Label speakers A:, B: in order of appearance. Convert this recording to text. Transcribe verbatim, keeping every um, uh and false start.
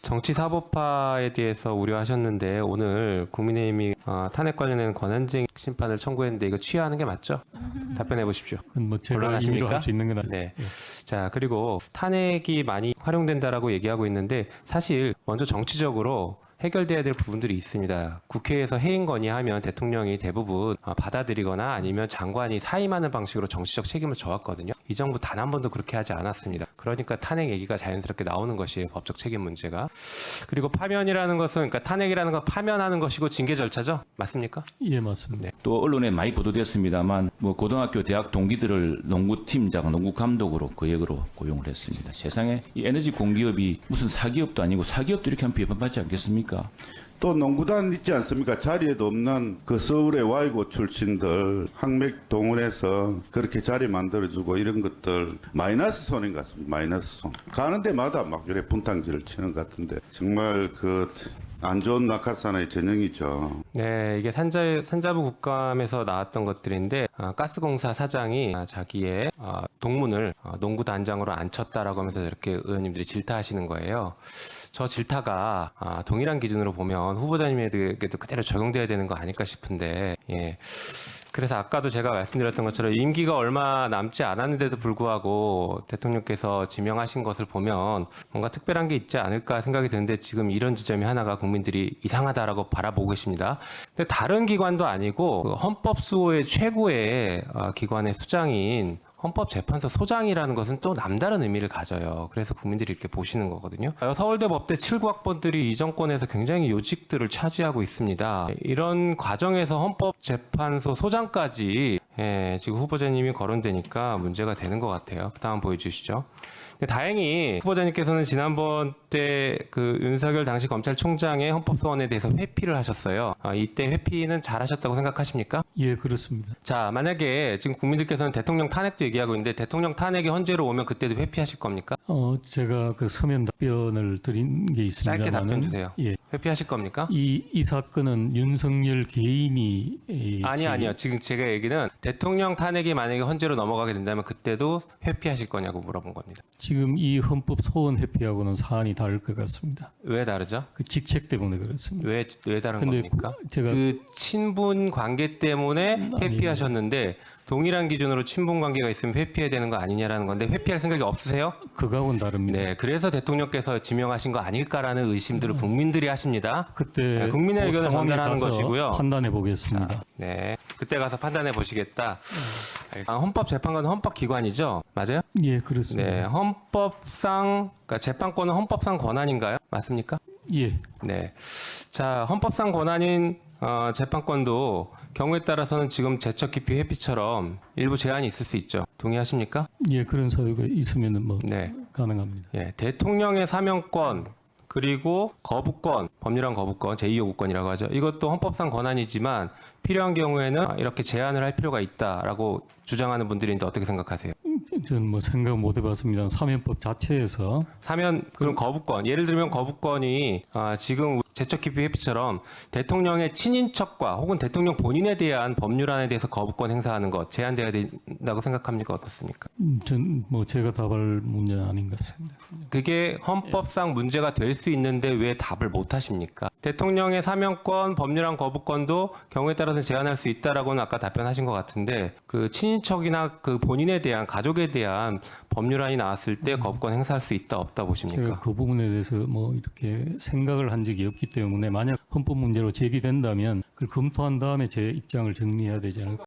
A: 정치사법화에 대해서 우려하셨는데 오늘 국민의힘이 어, 탄핵 관련된 권한쟁의 심판을 청구했는데 이거 취하하는 게 맞죠? 답변해 보십시오.
B: 뭐 제가
A: 곤란하십니까?
B: 임의로 할 수 있는 건 아니-
A: 네.
B: 예.
A: 자, 그리고 탄핵이 많이 활용된다라고 얘기하고 있는데 사실 먼저 정치적으로 해결돼야 될 부분들이 있습니다. 국회에서 해임 건의하면 대통령이 대부분 어, 받아들이거나 아니면 장관이 사임하는 방식으로 정치적 책임을 져왔거든요. 이 정부 단 한 번도 그렇게 하지 않았습니다. 그러니까 탄핵 얘기가 자연스럽게 나오는 것이에요. 법적 책임 문제가. 그리고 파면이라는 것은 그러니까 탄핵이라는 건 파면하는 것이고 징계 절차죠. 맞습니까?
B: 예, 맞습니다.
A: 네.
C: 또 언론에 많이 보도됐습니다만 뭐 고등학교 대학 동기들을 농구팀장, 농구 감독으로 그 역으로 고용을 했습니다. 세상에 이 에너지 공기업이 무슨 사기업도 아니고 사기업도 이렇게 하면 비판받지 않겠습니까?
D: 또 농구단 있지 않습니까? 자리에도 없는 그 서울의 와이고 출신들 항맥 동원해서 그렇게 자리 만들어주고 이런 것들 마이너스 손인 것 같습니다. 마이너스 손. 가는 데마다 막 이렇게 분탕질을 치는 것 같은데 정말 그 안 좋은 낙하산의 전형이죠.
A: 네, 이게 산자, 산자부 국감에서 나왔던 것들인데 어, 가스공사 사장이 아, 자기의 어, 동문을 어, 농구 단장으로 앉혔다라고 하면서 이렇게 의원님들이 질타하시는 거예요. 저 질타가 아, 동일한 기준으로 보면 후보자님에게도 그대로 적용돼야 되는 거 아닐까 싶은데 예. 그래서 아까도 제가 말씀드렸던 것처럼 임기가 얼마 남지 않았는데도 불구하고 대통령께서 지명하신 것을 보면 뭔가 특별한 게 있지 않을까 생각이 드는데 지금 이런 지점이 하나가 국민들이 이상하다라고 바라보고 계십니다. 근데 다른 기관도 아니고 그 헌법수호의 최고의 어, 기관의 수장인 헌법재판소 소장이라는 것은 또 남다른 의미를 가져요. 그래서 국민들이 이렇게 보시는 거거든요. 서울대 법대 칠 구 학번들이 이 정권에서 굉장히 요직들을 차지하고 있습니다. 이런 과정에서 헌법재판소 소장까지 예, 지금 후보자님이 거론되니까 문제가 되는 것 같아요. 다음 보여주시죠. 다행히 후보자님께서는 지난번 때 그 윤석열 당시 검찰총장의 헌법소원에 대해서 회피를 하셨어요. 아, 이때 회피는 잘하셨다고 생각하십니까?
B: 예, 그렇습니다.
A: 자, 만약에 지금 국민들께서는 대통령 탄핵도 얘기하고 있는데 대통령 탄핵이 헌재로 오면 그때도 회피하실 겁니까?
B: 어, 제가 그 서면 답변을 드린 게 있습니다만은
A: 짧게 답변 주세요.
B: 예.
A: 회피하실 겁니까?
B: 이, 이 사건은 윤석열 개인이 이
A: 아니
B: 지금
A: 아니요. 지금 제가 얘기는 대통령 탄핵이 만약에 헌재로 넘어가게 된다면 그때도 회피하실 거냐고 물어본 겁니다.
B: 지금 이 헌법 소원 회피하고는 사안이 다를 것 같습니다.
A: 왜 다르죠?
B: 그 직책 때문에 그렇습니다.
A: 왜, 왜 다른
B: 근데
A: 겁니까?
B: 그- 제가
A: 그 친분 관계 때문에
B: 아니,
A: 회피하셨는데 동일한 기준으로 친분 관계가 있으면 회피해야 되는 거 아니냐라는 건데 회피할 생각이 없으세요?
B: 그거하고는 다릅니다.
A: 네, 그래서 대통령께서 지명하신 거 아닐까라는 의심들을 국민들이 하십니다.
B: 그때
A: 네, 국민의
B: 그
A: 의견을
B: 상황에
A: 전달하는
B: 가서
A: 것이고요.
B: 판단해 보겠습니다.
A: 네, 그때 가서 판단해 보시겠다. 아, 헌법재판관은 헌법기관이죠, 맞아요?
B: 예, 그렇습니다.
A: 네, 헌법상 그러니까 재판권은 헌법상 권한인가요? 맞습니까?
B: 예,
A: 네. 자, 헌법상 권한인 어, 재판권도 경우에 따라서는 지금 제적 기피 회피처럼 일부 제한이 있을 수 있죠. 동의하십니까?
B: 예, 그런 사유가 있으면은 뭐
A: 네.
B: 가능합니다.
A: 예, 대통령의 사면권 그리고 거부권, 법률안 거부권, 제이 요구권이라고 하죠. 이것도 헌법상 권한이지만 필요한 경우에는 이렇게 제한을 할 필요가 있다라고 주장하는 분들이 있는데 어떻게 생각하세요?
B: 저는 뭐 생각 못 해봤습니다. 사면법 자체에서
A: 사면 그럼 거부권 예를 들면 거부권이 아, 지금 제적 기피 회피처럼 대통령의 친인척과 혹은 대통령 본인에 대한 법률안에 대해서 거부권 행사하는 것 제한돼야 된다고 생각합니까? 어떻습니까?
B: 전 뭐 제가 답할 문제는 아닌 것 같습니다.
A: 그게 헌법상 문제가 될 수 있는데 왜 답을 못 하십니까? 대통령의 사면권, 법률안 거부권도 경우에 따라서 제한할 수 있다라고는 아까 답변하신 것 같은데 그 친인척이나 그 본인에 대한 가족에 대한 법률안이 나왔을 때 거부권 행사할 수 있다 없다 보십니까?
B: 제가 그 부분에 대해서 뭐 이렇게 생각을 한 적이 없기 때문에 만약 헌법 문제로 제기된다면 그걸 검토한 다음에 제 입장을 정리해야 되지 않을까.